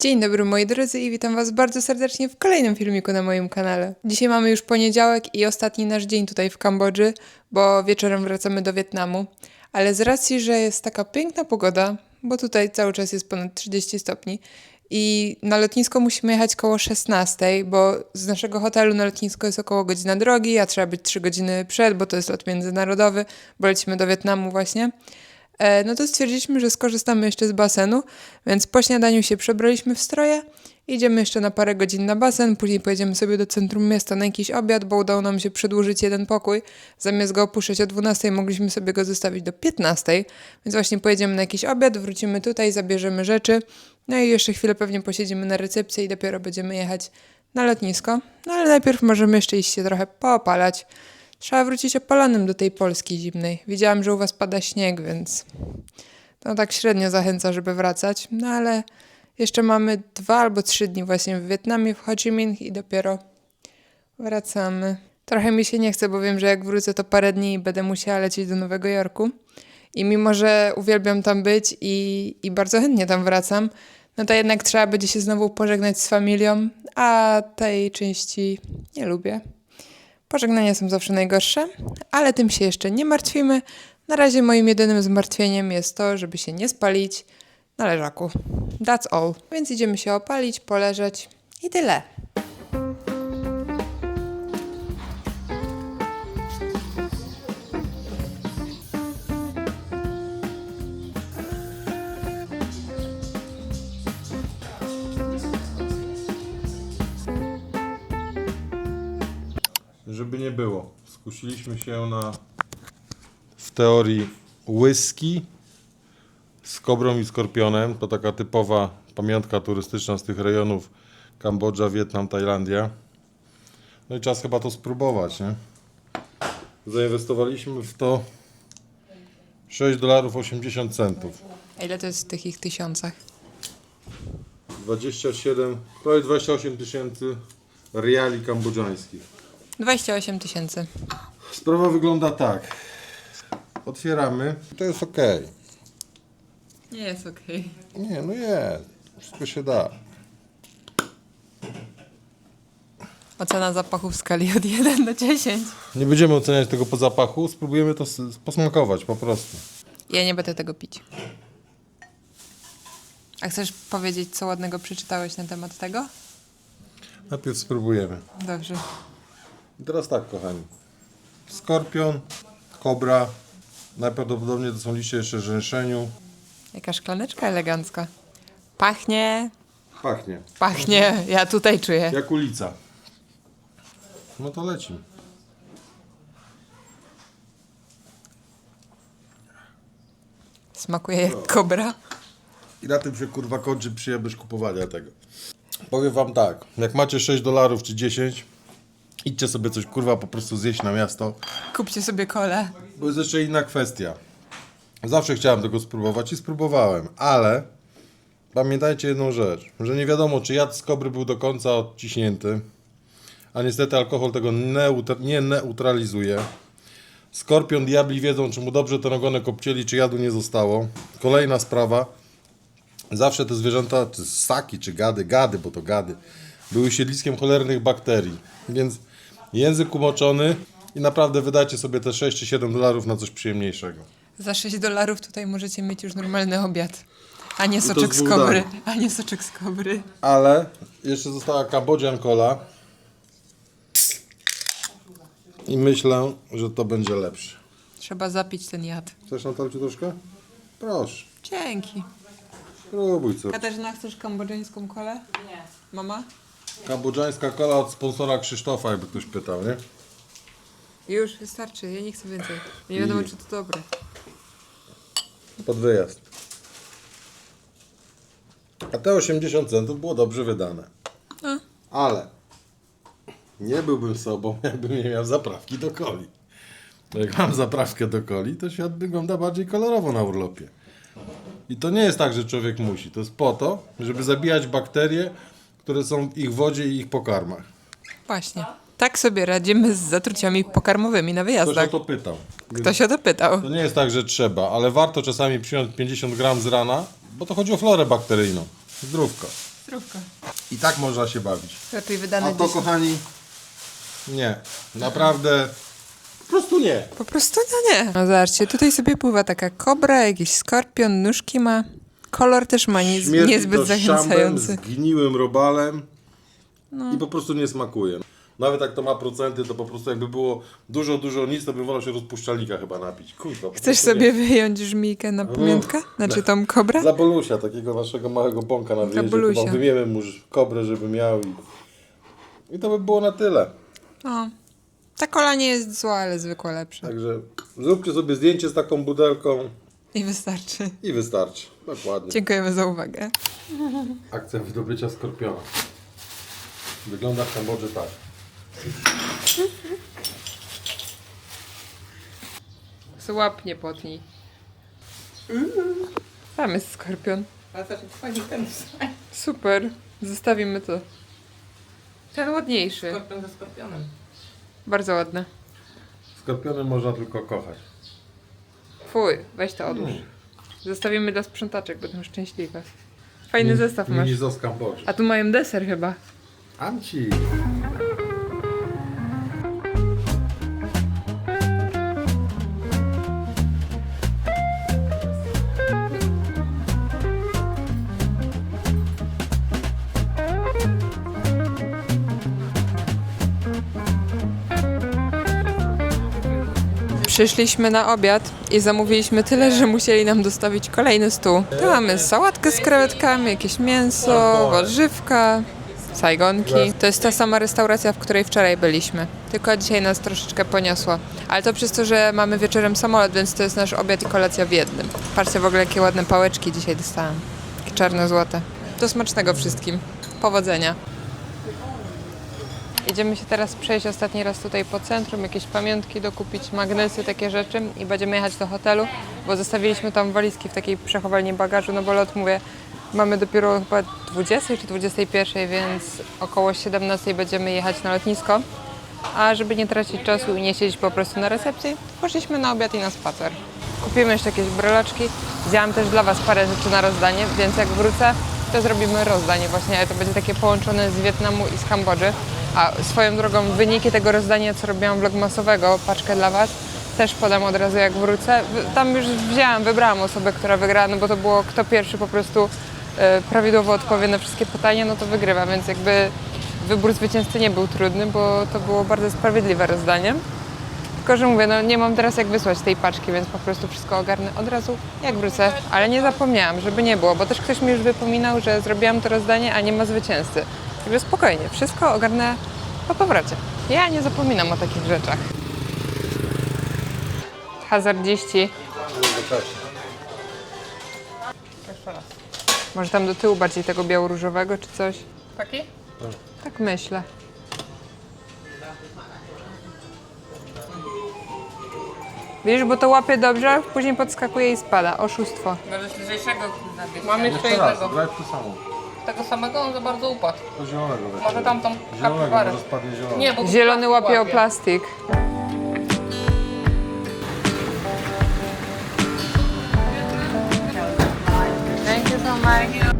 Dzień dobry moi drodzy i witam was bardzo serdecznie w kolejnym filmiku na moim kanale. Dzisiaj mamy już poniedziałek i ostatni nasz dzień tutaj w Kambodży, bo wieczorem wracamy do Wietnamu. Ale z racji, że jest taka piękna pogoda, bo tutaj cały czas jest ponad 30 stopni i na lotnisko musimy jechać koło 16, bo z naszego hotelu na lotnisko jest około godzina drogi, a trzeba być 3 godziny przed, bo to jest lot międzynarodowy, bo lecimy do Wietnamu właśnie. No to stwierdziliśmy, że skorzystamy jeszcze z basenu, więc po śniadaniu się przebraliśmy w stroje, idziemy jeszcze na parę godzin na basen, później pojedziemy sobie do centrum miasta na jakiś obiad, bo udało nam się przedłużyć jeden pokój. Zamiast go opuszczać o 12, mogliśmy sobie go zostawić do 15, więc właśnie pojedziemy na jakiś obiad, wrócimy tutaj, zabierzemy rzeczy, no i jeszcze chwilę pewnie posiedzimy na recepcji i dopiero będziemy jechać na lotnisko. No ale najpierw możemy jeszcze iść się trochę poopalać. Trzeba wrócić opalonym do tej Polski zimnej. Widziałam, że u was pada śnieg, więc to tak średnio zachęca, żeby wracać. No ale jeszcze mamy 2 albo 3 dni właśnie w Wietnamie, w Ho Chi Minh i dopiero wracamy. Trochę mi się nie chce, bo wiem, że jak wrócę to parę dni i będę musiała lecieć do Nowego Jorku. I mimo, że uwielbiam tam być i bardzo chętnie tam wracam, no to jednak trzeba będzie się znowu pożegnać z familią, a tej części nie lubię. Pożegnania są zawsze najgorsze, ale tym się jeszcze nie martwimy. Na razie moim jedynym zmartwieniem jest to, żeby się nie spalić na leżaku. That's all. Więc idziemy się opalić, poleżeć i tyle. Żeby nie było, skusiliśmy się na w teorii whisky z kobrą i skorpionem. To taka typowa pamiątka turystyczna z tych rejonów Kambodża, Wietnam, Tajlandia. No i czas chyba to spróbować, nie? Zainwestowaliśmy w to $6,80. A ile to jest w tych ich tysiącach? 27, prawie 28 tysięcy riali kambodżańskich. 28 000. Sprawa wygląda tak. Otwieramy. To jest ok. Nie jest okej. Nie, no jest. Wszystko się da. Ocena zapachu w skali od 1 do 10. Nie będziemy oceniać tego po zapachu. Spróbujemy to posmakować po prostu. Ja nie będę tego pić. A chcesz powiedzieć, co ładnego przeczytałeś na temat tego? Najpierw spróbujemy. Dobrze. I teraz tak, kochani. Skorpion, kobra. Najprawdopodobniej to są liście jeszcze rzęszeniu. Jaka szklaneczka elegancka. Pachnie. Pachnie. Pachnie. Ja tutaj czuję. Jak ulica. No to leci. Smakuje jak kobra. I na tym się kurwa kończy przyjemność kupowania tego. Powiem wam tak, jak macie $6 czy 10, idźcie sobie coś kurwa po prostu zjeść na miasto. Kupcie sobie kolę. Bo jest jeszcze inna kwestia. Zawsze chciałem tego spróbować i spróbowałem, ale pamiętajcie jedną rzecz, że nie wiadomo czy jad z kobry był do końca odciśnięty, a niestety alkohol tego nie neutralizuje. Skorpion, diabli wiedzą czy mu dobrze ten ogonek obcięli, czy jadu nie zostało. Kolejna sprawa. Zawsze te zwierzęta, czy ssaki, czy gady, bo to gady, były siedliskiem cholernych bakterii. Więc język umoczony i naprawdę wydajcie sobie te 6 czy $7 na coś przyjemniejszego. Za $6 tutaj możecie mieć już normalny obiad. A nie to soczek z z kobry. bułdami. A nie soczek z kobry. Ale jeszcze została Cambodian Cola. I myślę, że to będzie lepsze. Trzeba zapić ten jad. Chcesz Natalciu troszkę? Proszę, Dzięki. spróbuj co. Katarzyna, chcesz kambodżańską kolę? Nie. Mama? Kambodżańska kola od sponsora Krzysztofa, jakby ktoś pytał, nie? Już, wystarczy. Ja nie chcę więcej. Nie wiadomo, czy to dobre. Pod wyjazd. A te 80 centów było dobrze wydane. No. Ale nie byłbym sobą, jakbym nie miał zaprawki do coli. Jak mam zaprawkę do coli, to świat wygląda bardziej kolorowo na urlopie. I to nie jest tak, że człowiek musi. To jest po to, żeby zabijać bakterie, które są w ich wodzie i ich pokarmach. Właśnie. Tak sobie radzimy z zatruciami pokarmowymi na Ktoś wyjazdach. o to pytał. Ktoś o to pytał. To nie jest tak, że trzeba, ale warto czasami przyjąć 50 gram z rana, bo to chodzi o florę bakteryjną. Zdrówko. Zdrówko. I tak można się bawić. Lepiej wydane A to, 10. kochani, nie. Naprawdę, po prostu nie. Po prostu nie. No zobaczcie, tutaj sobie pływa taka kobra, jakiś skorpion, nóżki ma. Kolor też ma Śmierdzi niezbyt to szambem, zachęcający. zgniłym robalem i po prostu nie smakuje. Nawet jak to ma procenty, to po prostu jakby było dużo nic, to bym wolał się rozpuszczalnika chyba napić. Kurwa, po Chcesz prostu sobie wyjąć żmijkę na pamiątkę? Znaczy tą kobrę? Za Bolusia, takiego naszego małego bąka na wyjeździe, Bolusia. chyba wymiemy mu kobrę, żeby miał i to by było na tyle. O. Ta kola nie jest zła, ale zwykła lepsza. Także zróbcie sobie zdjęcie z taką butelką I wystarczy. i wystarczy. Dokładnie. Dziękujemy za uwagę. Akcja wydobycia skorpiona. Wygląda w Kambodży tak. Łap nie potnij. Tam jest skorpion. Super. Zostawimy to. Ten ładniejszy. Skorpion ze skorpionem. Bardzo ładne. Skorpiony można tylko kochać. Fuj, weź to odłóż. Zostawimy dla sprzątaczek, będą szczęśliwe. Fajny zestaw masz. Mini z Kambodży. A tu mają deser chyba. Amci! Przyszliśmy na obiad i zamówiliśmy tyle, że musieli nam dostawić kolejny stół. Tu mamy sałatkę z krewetkami, jakieś mięso, warzywka, sajgonki. To jest ta sama restauracja, w której wczoraj byliśmy. Tylko dzisiaj nas troszeczkę poniosło. Ale to przez to, że mamy wieczorem samolot, więc to jest nasz obiad i kolacja w jednym. Patrzcie w ogóle, jakie ładne pałeczki dzisiaj dostałam. Takie czarno-złote. Do smacznego wszystkim. Powodzenia. Idziemy się teraz przejść ostatni raz tutaj po centrum, jakieś pamiątki dokupić, magnesy, takie rzeczy i będziemy jechać do hotelu, bo zostawiliśmy tam walizki w takiej przechowalni bagażu, no bo lot, mówię, mamy dopiero chyba 20 czy 21, więc około 17 będziemy jechać na lotnisko, a żeby nie tracić czasu i nie siedzieć po prostu na recepcji, poszliśmy na obiad i na spacer. Kupimy jeszcze jakieś breloczki, wzięłam też dla Was parę rzeczy na rozdanie, więc jak wrócę, to zrobimy rozdanie właśnie, ale to będzie takie połączone z Wietnamu i z Kambodży. A swoją drogą wyniki tego rozdania, co robiłam vlogmasowego, paczkę dla Was, też podam od razu jak wrócę. Tam już wybrałam osobę, która wygrała, no bo to było kto pierwszy po prostu prawidłowo odpowie na wszystkie pytania, no to wygrywa, więc jakby wybór zwycięzcy nie był trudny, bo to było bardzo sprawiedliwe rozdanie. Tylko, że mówię, no nie mam teraz jak wysłać tej paczki, więc po prostu wszystko ogarnę od razu jak wrócę. Ale nie zapomniałam, żeby nie było, bo też ktoś mi już wypominał, że zrobiłam to rozdanie, a nie ma zwycięzcy. Także spokojnie, wszystko ogarnę po powrocie. Ja nie zapominam o takich rzeczach. Hazardziści. Jeszcze raz. Może tam do tyłu bardziej tego biało-różowego czy coś? Taki? Tak myślę. Widzisz, bo to łapie dobrze, później podskakuje i spada. Oszustwo. Możesz lżejszego nabić. Mam jeszcze Jeszcze raz, jednego. grać to samo. Tego samego on za bardzo upadł. To zielonego weź. Może tamtą Zielonego, kapibarę. może spadnie zielony. Nie, bo tu Zielony plastik łapie o plastik. Thank you so much.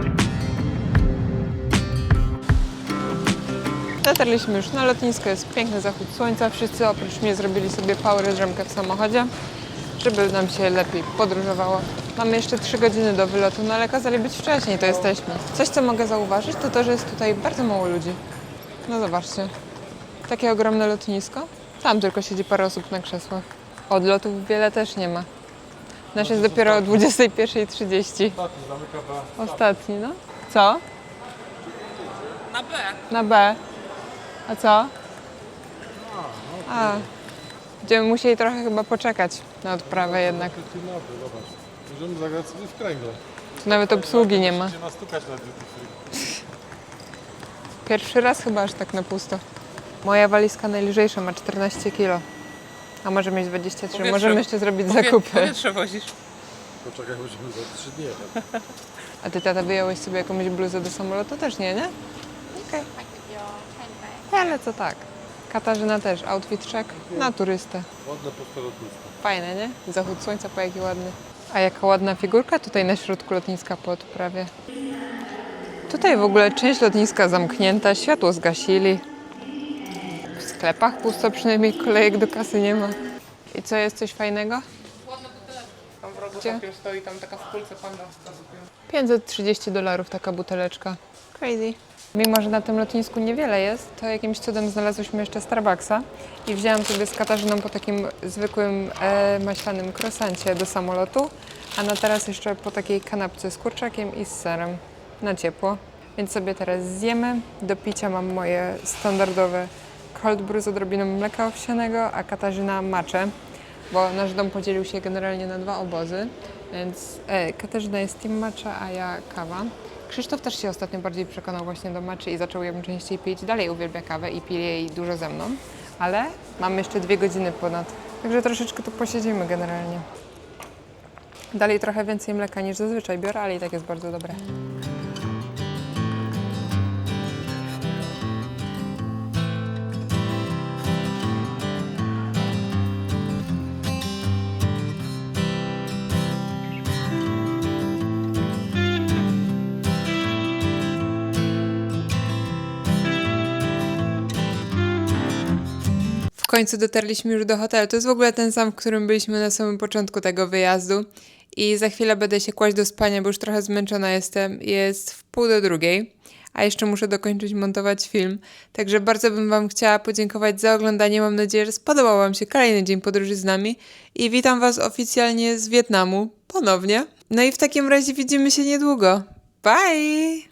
Dotarliśmy już na lotnisko, jest piękny zachód słońca. Wszyscy oprócz mnie zrobili sobie power drzemkę w samochodzie, żeby nam się lepiej podróżowało. Mamy jeszcze 3 godziny do wylotu, no ale kazali być wcześniej, to jesteśmy. Coś, co mogę zauważyć, to to, że jest tutaj bardzo mało ludzi. No zobaczcie, takie ogromne lotnisko. Tam tylko siedzi parę osób na krzesłach. Odlotów wiele też nie ma. Nasz jest dopiero o 21:30. Ostatni, no. Co? Na B. Na B. A co? A. Będziemy musieli trochę chyba poczekać na odprawę jednak. Dzień dobry, zobacz. Możemy zagrać sobie w kręgle. Tu nawet obsługi nie ma. Będzie nastukać na duty free. Pierwszy raz chyba aż tak na pusto. Moja walizka najlżejsza ma 14 kg. A może mieć 23. Powietrze. Możemy jeszcze zrobić zakupy. Powietrze wozisz. Poczekaj, będziemy za 3 dni. A ty, tata, wyjąłeś sobie jakąś bluzę do samolotu? Też nie, nie? Okej. Ale co tak. Katarzyna też, outfit check na turystę. Ładne puste lotnisko. Fajne, nie? Zachód słońca, po jaki ładny. A jaka ładna figurka tutaj na środku lotniska po odprawie. Tutaj w ogóle część lotniska zamknięta, światło zgasili. W sklepach pusto, przynajmniej kolejek do kasy nie ma. I co, jest coś fajnego? Ładna buteleczka. Tam w rogu Gdzie? takim stoi, tam taka w kulce panda. $530 taka buteleczka. Crazy. Mimo, że na tym lotnisku niewiele jest, to jakimś cudem znalazłyśmy jeszcze Starbucksa i wzięłam sobie z Katarzyną po takim zwykłym maślanym croissancie do samolotu, a na teraz jeszcze po takiej kanapce z kurczakiem i z serem na ciepło. Więc sobie teraz zjemy. Do picia mam moje standardowe cold brew z odrobiną mleka owsianego, a Katarzyna matcha, bo nasz dom podzielił się generalnie na 2 obozy, więc Katarzyna jest team matcha, a ja kawa. Krzysztof też się ostatnio bardziej przekonał właśnie do matchy i zaczął ją częściej pić. Dalej uwielbia kawę i pije jej dużo ze mną, ale mamy jeszcze 2 godziny ponad, także troszeczkę tu posiedzimy generalnie. Dalej trochę więcej mleka niż zazwyczaj biorę, ale i tak jest bardzo dobre. W końcu dotarliśmy już do hotelu. To jest w ogóle ten sam, w którym byliśmy na samym początku tego wyjazdu. I za chwilę będę się kłaść do spania, bo już trochę zmęczona jestem. Jest 1:30, a jeszcze muszę dokończyć montować film. Także bardzo bym Wam chciała podziękować za oglądanie. Mam nadzieję, że spodobał Wam się kolejny dzień podróży z nami. I witam Was oficjalnie z Wietnamu ponownie. No i w takim razie widzimy się niedługo. Bye!